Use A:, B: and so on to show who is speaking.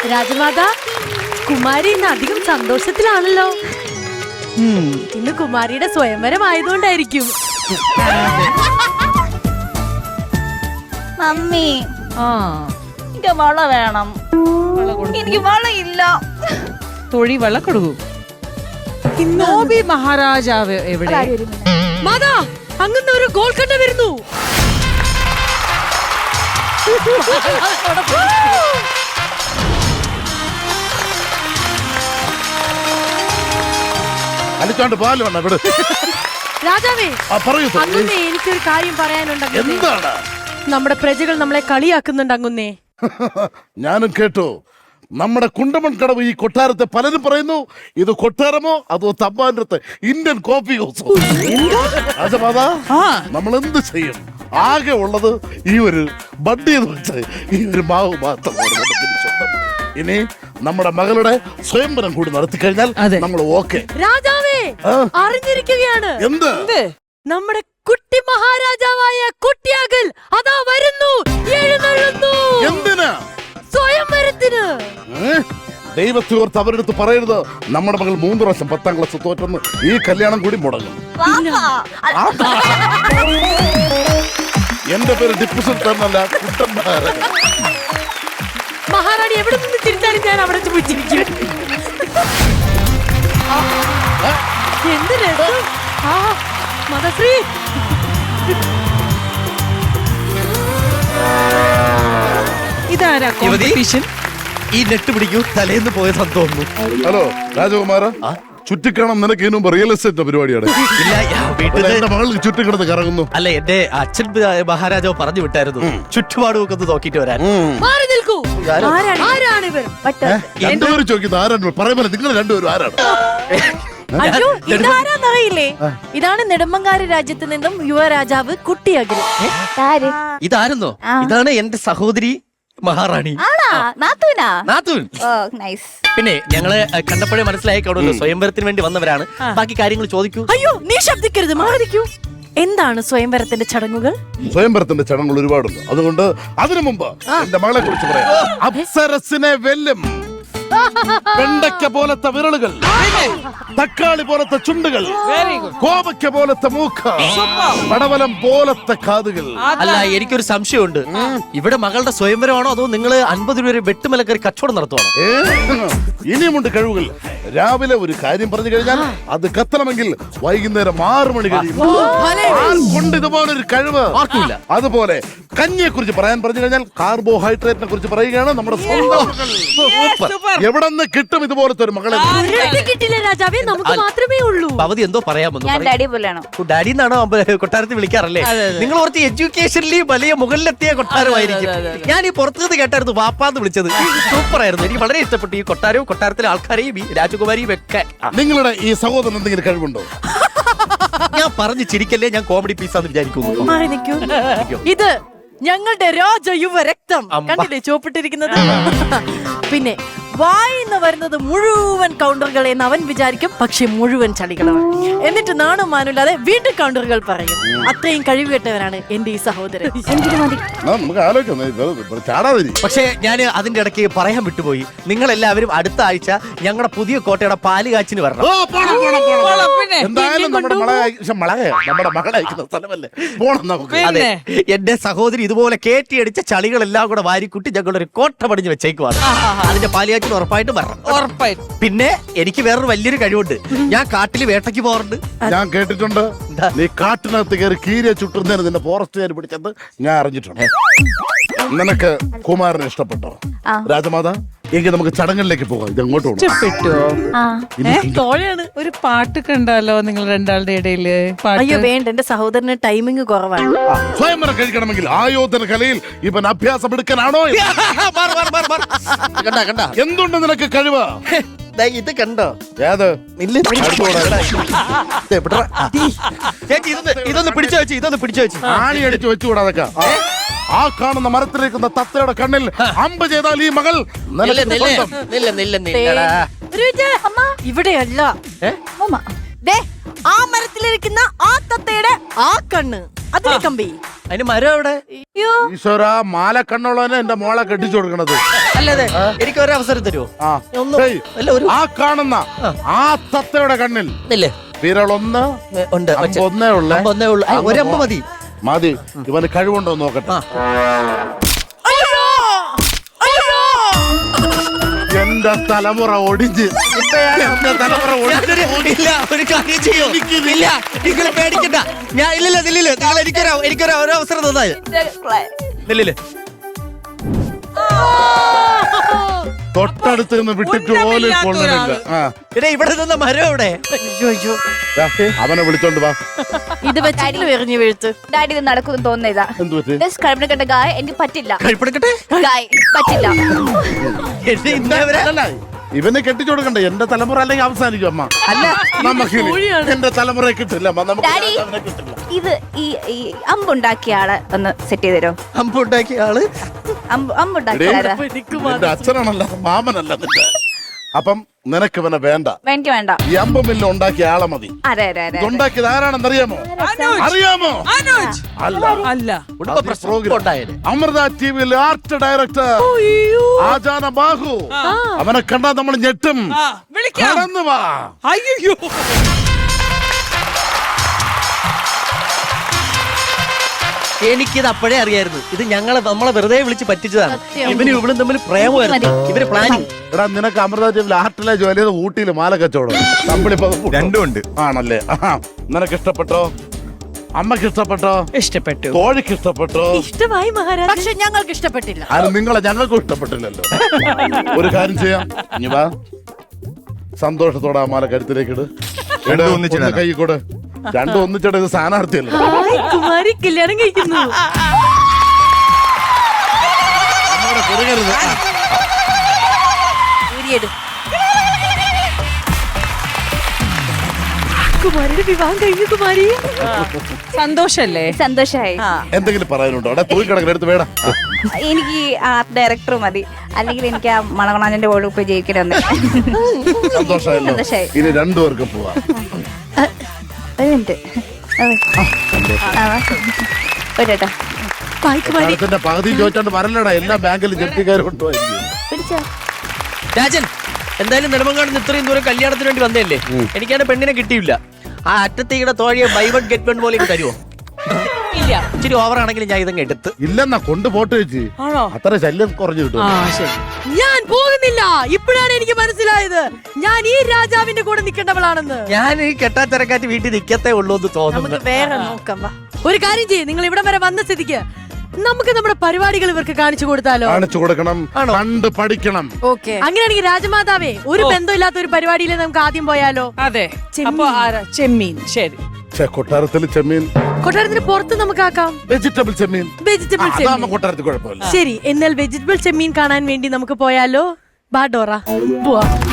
A: രാജമാത, കുമാരി ഇന്ന് അധികം സന്തോഷത്തിലാണല്ലോ. ഇന്ന് കുമാരിയുടെ സ്വയംവരം ആയതുകൊണ്ടായിരിക്കും.
B: മമ്മി, എനിക്ക് വള വേണം. എനിക്ക് വളയില്ല.
C: തൊഴി വള കൊടുക്കൂ. നോബി മഹാരാജാവ് എവിടെ?
A: മാതാ, അങ്ങനെ ഒരു ഗോൾക്കണ്ട വരുന്നു.
D: അലിച്ചോണ്ട് പാല് വേണ്ട ഇവിടെ.
A: രാജാവേ,
D: പറയൂ.
A: അങ്ങുന്നേ, എനിക്കൊരു കാര്യം പറയാനുണ്ട്.
D: എന്താണ്?
A: നമ്മുടെ പ്രജകൾ നമ്മളെ കളിയാക്കുന്നുണ്ട് അങ്ങുന്നേ.
D: ഞാനും കേട്ടു. നമ്മുടെ കുണ്ടമൺ കടവ് ഈ കൊട്ടാരത്തെ പലരും പറയുന്നു ഇത് കൊട്ടാരമോ അതോ തമ്പാനത്തെ ഇന്ത്യൻ കോഫി ഹൗസോ. രാജമാതാ, നമ്മൾ എന്ത് ചെയ്യും? ആകെ ഉള്ളത് ഈ ഒരു ബഡ്ഡി എന്ന് വെച്ച് ഈ ഒരു മാവ് മാത്രമാണ്. ഇനി നമ്മുടെ മകളുടെ സ്വയംവരം കൂടി നടത്തി കഴിഞ്ഞാൽ നമ്മൾ ഓക്കെ.
A: രാജാവേ, അറിഞ്ഞിരിക്കുകയാണ്.
D: എന്ത്?
A: നമ്മുടെ കുട്ടി മഹാരാജാവായ കുട്ടിയാകൽ അതാ വരുന്നു, എഴുന്നള്ളുന്നു.
D: എന്തിനാ?
A: സ്വയംവരത്തിന്.
D: ദൈവത്തെ ഓർത്ത് അവരെടുത്ത് പറയരുത് നമ്മുടെ മകൾ 3 പ്രാവശ്യം 10ാം ക്ലാസ് തോറ്റെന്ന്. ഈ കല്യാണം കൂടി മുടങ്ങും. എന്റെ പേര് ടിപ്പു സുൽത്താൻ എന്നല്ല, കുട്ടന്മാരൻ.
A: മഹാറാണി എവിടെ നിന്ന് തിരിച്ചാലും ഞാൻ അവിടെ ചോദിച്ചിരിക്കും. എന്ത് രസം. മദശ്രീ,
C: ഇതാരാ കോമ്പറ്റീഷൻ?
E: ഈ നെട്ട് പിടിക്കൂ, തലേന്ന് പോയതെന്ന് തോന്നുന്നു.
D: ഹലോ രാജകുമാര, ചുറ്റിക്കണം നിനക്ക് ഇതിനു മുമ്പ് റിയൽ എസ്റ്റേറ്റ് പരിപാടിയാണ്. എന്റെ മകൾ ചുറ്റിക്കിടന്ന് കറങ്ങുന്നു.
E: അല്ല, എന്റെ അച്ഛൻ മഹാരാജാവ് പറഞ്ഞു വിട്ടായിരുന്നു ചുറ്റുപാടും ഒക്കെ ഒന്ന് നോക്കിട്ട് വരാൻ.
A: മാറി നിൽക്കൂ. ആരാണ് ഇവർ?
D: രണ്ടുപേരും ചോദിക്കുന്നത് ആരാണ്? പറയുമ്പോൾ നിങ്ങൾ രണ്ടുപേരും ആരാണ്?
B: അയ്യോ, ഇതാരാന്നറിയില്ലേ? ഇതാണ് നെടുമങ്ങാട് രാജ്യത്ത് നിന്നും യുവരാജാവ് കുട്ടിയാകൽ.
E: ഇതായിരുന്നോ? ഇതാണ് എന്റെ സഹോദരി മഹാറാണി. നാത്തൂൻ. പിന്നെ ഞങ്ങള് കണ്ടപ്പോഴേ മനസ്സിലായി കാണുമല്ലോ സ്വയംവരത്തിന് വേണ്ടി വന്നവരാണ്. ബാക്കി കാര്യങ്ങൾ ചോദിക്കൂ.
B: അയ്യോ, നീ ശബ്ദിക്കരുത്, മാറിക്കൂ. എന്താണ് സ്വയംവരത്തിന്റെ ചടങ്ങുകൾ?
D: സ്വയംവരത്തിന്റെ ചടങ്ങുകൾ ഒരുപാടുണ്ട്. അതുകൊണ്ട് അതിനു മുമ്പ് എന്റെ മകളെ കുറിച്ച് പറയാം. അപ്സരസിനെ വെല്ലും വെണ്ടയ്ക്ക പോലത്തെ വിരലുകൾ, തക്കാളി പോലത്തെ ചുണ്ടുകൾ, കോവയ്ക്ക പോലത്തെ മൂക്ക്, പടവലം പോലത്തെ കാതുകൾ.
E: അല്ല, എനിക്കൊരു സംശയമുണ്ട്. ഇവിടെ മകളുടെ സ്വയംവരമാണോ അതോ നിങ്ങൾ 50 രൂപ വെട്ടുമലക്കറി കച്ചവടം നടത്തുവാണോ?
D: ഇനിയുമുണ്ട് കഴിവുകൾ. രാവിലെ ഒരു കാര്യം പറഞ്ഞു കഴിഞ്ഞാൽ അത് കത്തണമെങ്കിൽ വൈകുന്നേരം 6 മണി കഴിയും. കൊണ്ട് ഇതുപോലൊരു കഴിവ്
E: ആർക്കില്ല.
D: അതുപോലെ കഞ്ഞിയെ കുറിച്ച് പറയാൻ പറഞ്ഞു കഴിഞ്ഞാൽ കാർബോഹൈഡ്രേറ്റിനെ കുറിച്ച് പറയുകയാണ് നമ്മുടെ സ്വന്തം. എവിടെ നിന്ന് കിട്ടും ഇതുപോലത്തെ ഒരു മകളെ?
A: കിട്ടില്ല രാജാവേ, നമുക്ക് മാത്രമേ ഉള്ളൂ.
E: പവതി എന്തോ പറയാമെന്ന്.
B: ഡാഡി
E: എന്നാണോ കൊട്ടാരത്തിൽ വിളിക്കാറല്ലേ? നിങ്ങൾ കുറച്ച് എഡ്യൂക്കേഷനിൽ വലിയ മുകളിലെത്തിയ കൊട്ടാരമായിരിക്കും. ഞാൻ ഈ പുറത്തുനിന്ന് കേട്ടായിരുന്നു വാപ്പാന്ന് വിളിച്ചത്. സൂപ്പർ ആയിരുന്നു. എനിക്ക് വളരെ ഇഷ്ടപ്പെട്ടു ഈ കൊട്ടാരവും കൊട്ടാരത്തിലെ ആൾക്കാരെയും ഈ രാജകുമാരിയും ഒക്കെ.
D: നിങ്ങളുടെ ഈ സഹോദരൻ എന്തെങ്കിലും കഴിവുണ്ടോ?
E: ഞാൻ പറഞ്ഞു ചിരിക്കല്ലേ, ഞാൻ കോമഡി പീസാന്ന് വിചാരിക്കുന്നു.
B: ഇത് ഞങ്ങളുടെ രാജയുവ രക്തം കണ്ടില്ലേ ചോപ്പിട്ടിരിക്കുന്നത്. പിന്നെ വായിന്ന് വരുന്നത് മുഴുവൻ കൗണ്ടറുകൾ എന്ന് അവൻ വിചാരിക്കും, പക്ഷെ മുഴുവൻ ചളികളാണ്. എന്നിട്ട് നാണോ മാനില്ലാതെ വീണ്ടും കൗണ്ടറുകൾ പറയും. അത്രയും കഴിവുകെട്ടവനാണ് എന്റെ ഈ സഹോദരൻ.
D: നമുക്ക് ആലോചിക്കാം.
E: പക്ഷേ ഞാൻ അതിന്റെ ഇടയ്ക്ക് പറയാൻ വിട്ടുപോയി. നിങ്ങൾ എല്ലാവരും അടുത്ത ആഴ്ച ഞങ്ങളുടെ പുതിയ കോട്ടയുടെ പാല് കാച്ചിന് വരണം.
D: എന്തായാലും നമ്മുടെ മകളെ അയക്കുന്ന സ്ഥലമല്ലേ, പോണം നമുക്ക്.
E: അതെ, എന്റെ സഹോദരി ഇതുപോലെ കേട്ടിയടിച്ച ചളികളെല്ലാം കൂടെ വാരിക്കുട്ടി ഞങ്ങളൊരു കോട്ട പടിഞ്ഞ് വെച്ചേക്കുവാണ്. അതിന്റെ പാല് കാച്ചിന് ഉറപ്പായിട്ടും വരണം.
C: ഉറപ്പായിട്ടും.
E: പിന്നെ എനിക്ക് വേറൊരു വലിയൊരു കഴിവുണ്ട്. ഞാൻ കാട്ടില് വേട്ടയ്ക്ക് പോകാറുണ്ട്.
D: ഞാൻ കേട്ടിട്ടുണ്ട് നീ കാട്ടിനകത്ത് കയറി കീരിയെ ചുട്ടുന്നതിന് നിന്റെ ഫോറസ്റ്റുകാർ പിടിച്ചത് ഞാൻ അറിഞ്ഞിട്ടുണ്ട്. നിനക്ക് കുമാരനെ ഇഷ്ടപ്പെട്ടോ രാജമാതാ? എങ്കിൽ നമുക്ക് ചടങ്ങിലേക്ക് പോകാം. ഇത് അങ്ങോട്ട്
C: തോഴയാണ്. ഒരു പാട്ട് കണ്ടാലോ നിങ്ങൾ രണ്ടാളുടെ ഇടയില്?
B: അയ്യോ വേണ്ട, എന്റെ സഹോദരന് ടൈമിംഗ് കുറവാണ്.
D: സ്വയംവരം കഴിക്കണമെങ്കിൽ ആയോധന കലയിൽ ഇവൻ അഭ്യാസം എടുക്കാനാണോ? എന്തുണ്ട് നിനക്ക് കഴിവ്?
E: ഇത് കണ്ടോ?
D: ഏത്?
E: ചേച്ചി ഇതൊന്ന് പിടിച്ചു വെച്ച്, ഇതൊന്ന് പിടിച്ചു വെച്ച്.
D: ആണി അടിച്ചു വെച്ചുകൂടാതൊക്കെ. ആ കാണുന്ന മരത്തിലേക്കുന്ന തത്തയുടെ കണ്ണിൽ അമ്പ് ചെയ്താൽ ഈ മകൾ
B: ഇവിടെയല്ല, ആ മരത്തിലിരിക്കുന്ന ആ തത്തയുടെ ആ കണ്ണ് അതിലെ കമ്പി
E: അതിന് മരം എവിടെ?
D: ഈശ്വര മാല കണ്ണുള്ളവനെ എന്റെ മോളെ കെട്ടിച്ചു കൊടുക്കണത്.
E: അല്ലതെ എനിക്ക് ഒരു അവസരം തരുമോ?
D: ആ
E: ഒന്ന്
D: ഹേയ്,
E: അല്ല ഒരു
D: ആ കാണുന്ന ആ തത്തയുടെ കണ്ണിൽ
E: ഇല്ലേ
D: വിരളൊന്ന്
E: ഉണ്ട്
D: ഒന്നേ ഉള്ളേ.
E: ഒന്നേ ഉള്ളു. ഒരമ്പ് മതി.
D: മതി. ഇവന് കഴിവുണ്ടോ നോക്കട്ടെ. എന്റെ തലമുറ ഒടിഞ്ഞ് എന്റെ തലമുറ
E: ഇല്ല ഒരു കാര്യം ചെയ്യോ? ഇല്ല നിങ്ങൾ പേടിക്കണ്ട. ഞാൻ ഇല്ലില്ല നില്ലില്ല നിങ്ങൾ എനിക്കൊരു ഒരു അവസരം തന്നായി നില്ലില്ല.
D: തൊട്ടടുത്ത് നിന്ന് വിട്ടിട്ട് പോലും കൊള്ളുന്നില്ല.
E: പിന്നെ ഇവിടെ നിന്ന മരം എവിടെ?
D: അവനെ വിളിച്ചോണ്ട് വാ.
B: ഇത് വെച്ചിട്ട് എറിഞ്ഞു വീഴ്ത്ത്.
F: ഡാഡി ഇത് നടക്കുന്നു തോന്നുന്നില്ല.
D: എന്ത് പറ്റി?
F: കഴിപ്പിടക്കട്ടെ ഗായ് എനിക്ക് പറ്റില്ല.
E: കഴിപ്പെടുക്കട്ടെ
F: ഗായ് പറ്റില്ല.
E: എന്നെ ഇന്നേവരെ
D: അല്ല, ഇവനെ കെട്ടിച്ചു കൊടുക്കണ്ടേ? എന്റെ തലമുറ അല്ലെങ്കിൽ അവസാനിക്കും അമ്മ.
E: അല്ല
D: നമുക്ക് എന്റെ തലമുറ കിട്ടില്ല അമ്മ. നമുക്ക്
F: ഡാഡി
D: അവനെ കിട്ടില്ല.
F: ഇത് ഈ അമ്പുണ്ടാക്കിയ ആളെ ഒന്ന് സെറ്റ് ചെയ്ത് തരുമോ?
E: അമ്പുണ്ടാക്കിയ ആള്
F: അമ്പുണ്ടാക്കിയ ആളാ?
D: നിന്റെ അച്ഛനാണല്ല മാമനല്ല നിന്റെ. അപ്പം നിനക്ക് ഇവനെ വേണ്ട.
F: എനിക്ക് വേണ്ട.
D: ഈ അമ്പ് മില്ല് ഉണ്ടാക്കിയ ആളെ മതി.
F: അതെ അതെ അതെ.
D: ഉണ്ടാക്കിയത് ആരാണെന്ന് അറിയാമോ? അറിയാമോ? അല്ല.
C: അല്ല
E: കുടുംബ പ്രശ്നം ഉണ്ടായത്.
D: അമൃത ടിവിയിൽ ആർട്ട് ഡയറക്ടർ ആജാന ബാഹു. അവനെ കണ്ടാ നമ്മൾ ഞെട്ടും. കടന്നു വാ.
C: അയ്യോ
E: എനിക്കിത് അപ്പോഴേ അറിയായിരുന്നു. ഇത് നമ്മളെ വെറുതെ വിളിച്ച് പറ്റിച്ചതാണ്. ഇവനും ഇവളും തമ്മിൽ പ്രേമമായിരുന്നു. ഇവര് പ്ലാനിങ്.
D: എടാ നിനക്ക് അമൃത ടിവിയിൽ ആർട്ടിലെ ജോലി ചെയ്ത് ഊട്ടിയിൽ മാല കച്ചവടം
G: രണ്ടും ഉണ്ട്.
D: ആണല്ലേ? നിനക്ക് ഇഷ്ടപ്പെട്ടോ? അമ്മക്ക് ഇഷ്ടപ്പെട്ടോ?
C: ഇഷ്ടപ്പെട്ടു.
D: കോഴിക്ക് ഇഷ്ടപ്പെട്ടോ?
A: ഇഷ്ടമായി മഹാരാജ.
B: പക്ഷെ ഞങ്ങൾക്ക് ഇഷ്ടപ്പെട്ടില്ല.
D: അത് ഞങ്ങൾക്കും ഇഷ്ടപ്പെട്ടില്ലല്ലോ. ഒരു കാര്യം ചെയ്യാം. ഇനി വാ, സന്തോഷത്തോടെ ആ മാല കരുത്തിലേക്ക് ഇട്.
G: രണ്ടും ഒന്നിച്ചിടാനാ?
D: കൈ കൂടെ രണ്ടും ഒന്നിച്ചിട. ഇത് സ്ഥാനാർത്ഥിയല്ലേ?
A: ഹായ്, കുമാരി കല്യാണം കഴിക്കുന്നു.
D: നമ്മുടെ കുറുകരുത്.
B: ഊരിയെടു.
A: കുമാരിയുടെ വിവാഹം കഴിഞ്ഞു കുമാരി.
C: സന്തോഷല്ലേ?
F: സന്തോഷായി.
D: എന്തെങ്കിലും പറയാനുണ്ടോ? അവിടെ പോയി കിടക്കുന്ന എടുത്ത് വേടാ.
F: എനിക്ക് ആർട്ട് ഡയറക്ടർ മതി. അല്ലെങ്കിൽ എനിക്ക് ആ മണവണാന്റെ ഓട് പോയി ജയിക്കണമെന്ന്.
D: സന്തോഷമായല്ലോ.
F: സന്തോഷായി.
D: ഇനി രണ്ടുപേർക്കും പോവാം.
F: ഒരു മിനിറ്റ്. ഒരു കേട്ടോ
A: ബായ് കുമാരി.
D: കാലത്തിന്റെ പകുതി ചോദിച്ചോണ്ട് വരല്ലടാ. എല്ലാ ബാങ്കിലും ജപ്തിക്കാരും കൊണ്ടുപോയിരിക്കും.
F: പിടിച്ചോ.
E: രാജൻ എന്തായാലും നെടുമങ്ങാട് ഇത്രയും ദൂരം കല്യാണത്തിന് വേണ്ടി വന്നതല്ലേ? എനിക്കാണ് പെണ്ണിനെ കിട്ടിയില്ല. ആ അറ്റത്തേയുടെ തോഴിയെ ബൈ വൺ ഗെറ്റ് വൺ പോലെ തരുമോ? ഇല്ല, ഇച്ചിരി ഓവർ ആണെങ്കിലും ഞാൻ ഇതങ്ങ് എടുത്ത്.
D: ഇല്ലെന്നാ കൊണ്ടുപോട്ട് വെച്ച്. അത്ര ശല്യം കുറഞ്ഞു കിട്ടും.
A: ഞാൻ പോകുന്നില്ല. ഇപ്പോഴാണ് എനിക്ക് മനസ്സിലായത് ഞാൻ ഈ രാജാവിന്റെ കൂടെ നിൽക്കേണ്ടവളാണെന്ന്.
E: ഞാൻ ഈ കെട്ടാത്തിരക്കാറ്റ് വീട്ടിൽ നിൽക്കത്തേ ഉള്ളൂ എന്ന് തോന്നുന്നു.
B: നമുക്ക് വേറെ നോക്കാം. വാ.
A: ഒരു കാര്യം ചെയ്യ്, നിങ്ങൾ ഇവിടം വരെ വന്ന സ്ഥിതിക്ക് നമുക്ക് നമ്മുടെ പരിപാടികൾ ഇവർക്ക് കാണിച്ചു കൊടുത്താലോ?
D: കാണിച്ചു കൊടുക്കണം. കണ്ട് പഠിക്കണം.
B: ഓക്കെ.
A: അങ്ങനെയാണെങ്കിൽ രാജമാതാവേ, ഒരു ബന്ധമില്ലാത്ത ഒരു പരിപാടിയിൽ നമുക്ക് ആദ്യം പോയാലോ?
C: അതെ. അപ്പൊ ആരാ? ചെമ്മീൻ. ശരി.
D: കൊട്ടാരത്തിൽ ചെമ്മീൻ.
A: കൊട്ടാരത്തിന് പുറത്ത് നമുക്ക് ആക്കാം.
D: വെജിറ്റബിൾ ചെമ്മീൻ.
A: വെജിറ്റബിൾ ചെമ്മീൻ.
D: കൊട്ടാരത്തിൽ കുഴപ്പമില്ല.
A: ശരി, എന്നാൽ വെജിറ്റബിൾ ചെമ്മീൻ കാണാൻ വേണ്ടി നമുക്ക് പോയാലോ? ബാ ഡോറ, പോവാം.